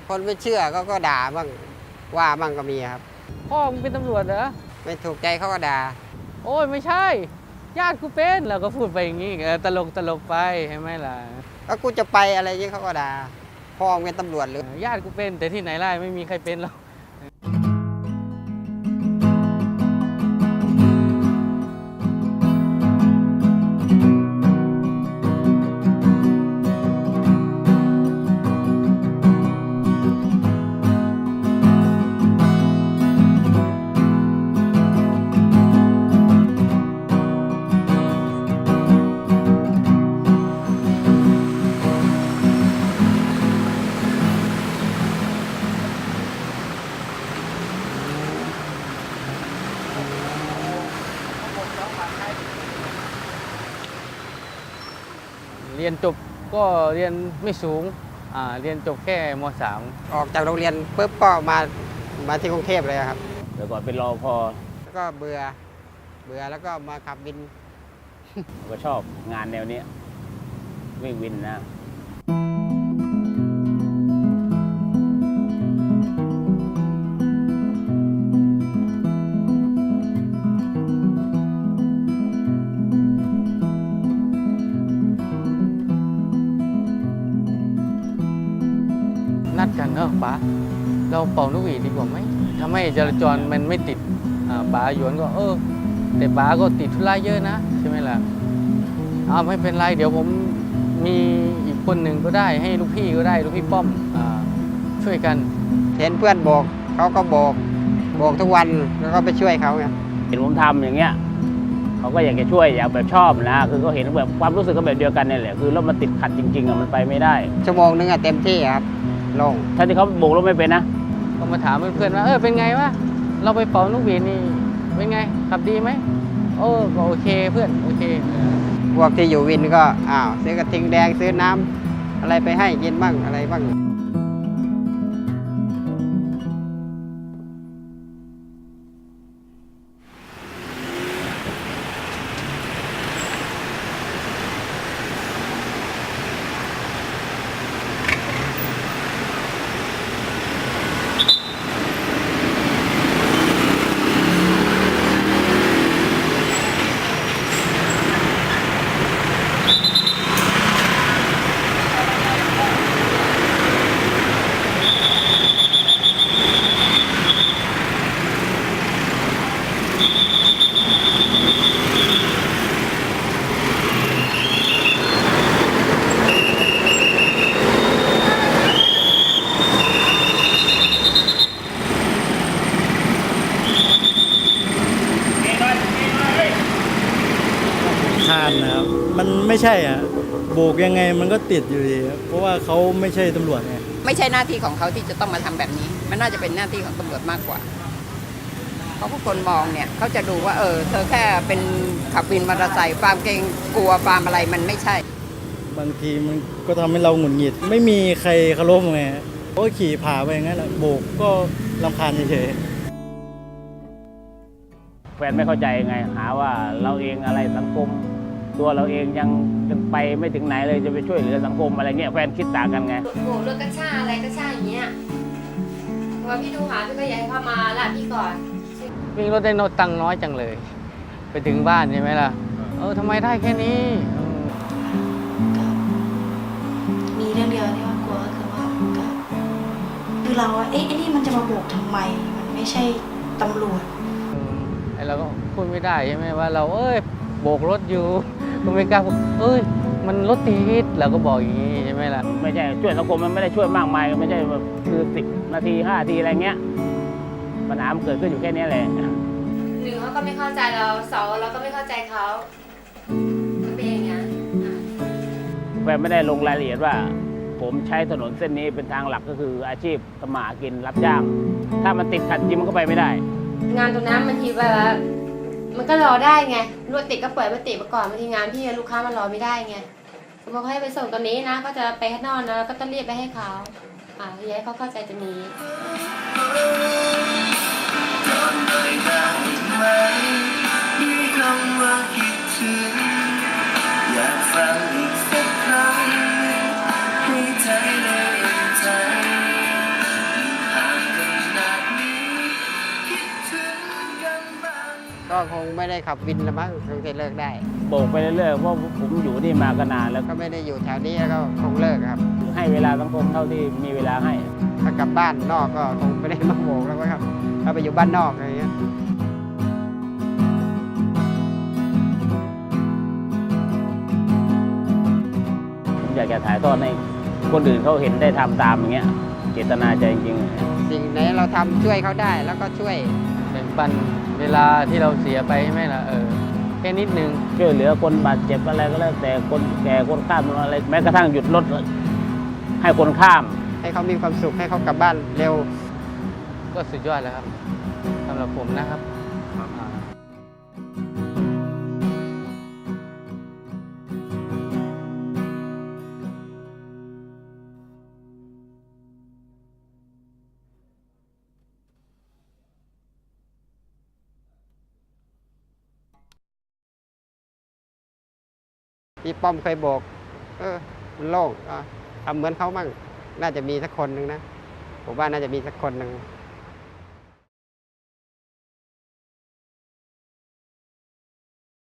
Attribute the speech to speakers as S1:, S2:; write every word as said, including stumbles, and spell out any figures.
S1: คนไม่เชื่อก็ก็ด่าบ้างว่าบ้างก็มีครับ
S2: พ่อมึงเป็นตำรวจเหรอ
S1: ไม่ถูกใจเขาก็ด่า
S2: โอ้ยไม่ใช่ญาติกูเป็นเราก็พูดไปอย่างนี้ตลกตลกไปใช่ไหมล่ะ
S1: ก็กูจะไปอะไรอย่างนี้เขาก็ด่าพ่อเป็นตำรวจหรือ
S2: ญาติกูเป็นแต่ที่ไหนไล่ไม่มีใครเป็นหรอกเรียนจบก็เรียนไม่สูงอ่าเรียนจบแค่ม .สาม
S1: ออกจากโรงเรียนปุ๊บก็มามาที่กรุงเทพเลยครับ
S3: เดี๋ยวก่อนเป็นรอพอ
S1: แล้วก็เบื่อเบื่อแล้วก็มาขับวิน
S3: ก็ชอบงานแนวนี้วิ่งวินนะ
S2: นัดกันเนอะป๋าเราเป่านกหวีดดีกว่าไหมทำให้จราจรมันไม่ติดป๋าหยวนก็เออแต่ป๋าก็ติดธุระเยอะนะใช่ไหมล่ะอ้าวไม่เป็นไรเดี๋ยวผมมีอีกคนหนึ่งก็ได้ให้ลูกพี่ก็ได้ลูกพี่ป้อมช่วยกัน
S1: เห็นเพื่อนโบกเขาก็โบกโบกทุกวันแล้วก็ไปช่วยเขาไง
S3: เห็นผมทำอย่างเงี้ยเขาก็อยากจะช่วยอยากแบบชอบนะคือเขาเห็นแบบความรู้สึกก็แบบเดียวกันนี่แหละคือรถมันติดขัดจริงๆอะมันไปไม่ได้
S1: ชั่วโมงนึงอะเต็มที่ครับลง
S3: ถ้าที่เขาโบกรถไม่เป็นนะ
S2: ก็มาถามเพื่อนๆว่าเออเป็นไงวะเราไปเป่านกหวีดนี่เป็นไงขับดีไหมโอ้ก็โอเคเพื่อนโอเค
S1: พวกที่อยู่วินก็อ้าวซื้อกระทิงแดงซื้อน้ำอะไรไปให้กินบ้างอะไรบ้าง
S4: ทานนะครับมันไม่ใช่อ่ะโบกยังไงมันก็ติดอยู่ดีเพราะว่าเขาไม่ใช่ตำรวจไง
S5: ไม่ใช่หน้าที่ของเขาที่จะต้องมาทำแบบนี้มันน่าจะเป็นหน้าที่ของตำรวจมากกว่าเพราะผู้คนมองเนี่ยเขาจะดูว่าเออเธอแค่เป็นขับวินมอเตอร์ไซค์ความเกรงกลัวความอะไรมันไม่ใช่
S4: บางทีมันก็ทำให้เราหงุดหงิดไม่มีใครเคารพไงก็ขี่ผ่าไปอย่างนั้นแหละโบกก็รำคาญเฉย
S3: แฟนไม่เข้าใจไงหาว่าเราเองอะไรสังคมตัวเราเองยังยังไปไม่ถึงไหนเลยจะไปช่วยเหลือสังคมอะไรเงี้ยแฟนคิดต่างกันไง
S6: โหรถกระชาอะไรกระชาอย่างเงี้ยพอพี่ดูหาพี่ก็อยากให้เข้ามาละพี่ก่อน
S2: วิ่งรถได้โนตังน้อยจังเลยไปถึงบ้านใช่ไหมล่ะเออทำไมได้แค่นี้
S7: มีเรื่องเดียวที่ว่ากลัวก็คือว่าคือเราเอ๊ะไอ้นี่มันจะมาโบกทำไมมันไม่ใช่ตำรวจ
S2: ไอ้เราก็พูดไม่ได้ใช่ไหมว่าเราเอ้ยโบกรถอยู่ก็ไม่กล้าเอ้ยมันรถติดเราก็บอกอย่างนี้ใช่ไหมล่ะ
S3: ไม่ใช่ช่วยสังคมมันไม่ได้ช่วยมากมายไม่ใช่แบบคือสิบนาทีห้านาทีอะไรเงี้ยปัญหามันเกิดขึ้นอยู่แค่นี้แหละ
S6: หนึ่งเขาก็ไม่เข้าใจเราสองเราก็ไม่เข้าใจเขาเป็นอย่างนี้
S3: แฟนไม่ได้ลงรายละเอียดว่าผมใช้ถนนเส้นนี้เป็นทางหลักก็คืออาชีพทำมาหากินรับจ้างถ้ามันติดขัดจริงมันก็ไปไม่ได้
S6: งานตรงนั้นบางทีแบบมันก็รอได้ไงรถติดก็เปิดมาติดมาก่อนบางทีงานพี่ลูกค้ามารอไม่ได้ไงสมมติเขาให้ไปส่งตอนนี้นะก็จะไปข้างนอกนะก็ต้องรีบไปให้เขาอ่าย้ายเขาเข้าใจตรงนี้อยากฟังอีกสักครั้งให้ใจได้ใจ
S1: ก็คงไม่ได้ขับวินละมั้งคงจะเลิกได้
S3: โบกไปเรื่อยๆเพราะผมอยู่นี่มาก็นานแล้ว
S1: ก็ไม่ได้อยู่แถวนี้แล้วก็คงเลิกครับ
S3: ให้เวลาสังคมเท่าที่มีเวลาให้
S1: ถ้ากลับบ้านนอกก็คงไม่ได้มาโบกแล้วมั้งครับถ้าไปอยู่บ้านนอกอะไรเงี้ย
S3: ผมอยากจะถ่ายทอดให้คนอื่นเขาเห็นได้ทำตามอย่างเงี้ยเจตนาใจจริงๆ
S1: สิ่งไหนเราทำช่วยเขาได้แล้วก็ช่วย
S2: แบ่งปันเวลาที่เราเสียไปใช่ไหมล่ะเออแค่นิดนึง
S3: ช่วยเหลือคนบาดเจ็บอะไรก็แล้วแต่คนแก่คนข้ามอะไรแม้กระทั่งหยุดรถให้คนข้าม
S1: ให้เขามีความสุขให้เขากลับบ้านเร็ว
S2: ก็สุดยอดแล้วครับสำหรับผมนะครับอ่า
S1: พี่ป้อมเคยโบก เออ มันโล่งอ่ะทำเหมือนเขามั่ง น่าจะมีสักคนหนึ่งนะ ผมว่าน่าจะมีสักคนหนึ่ง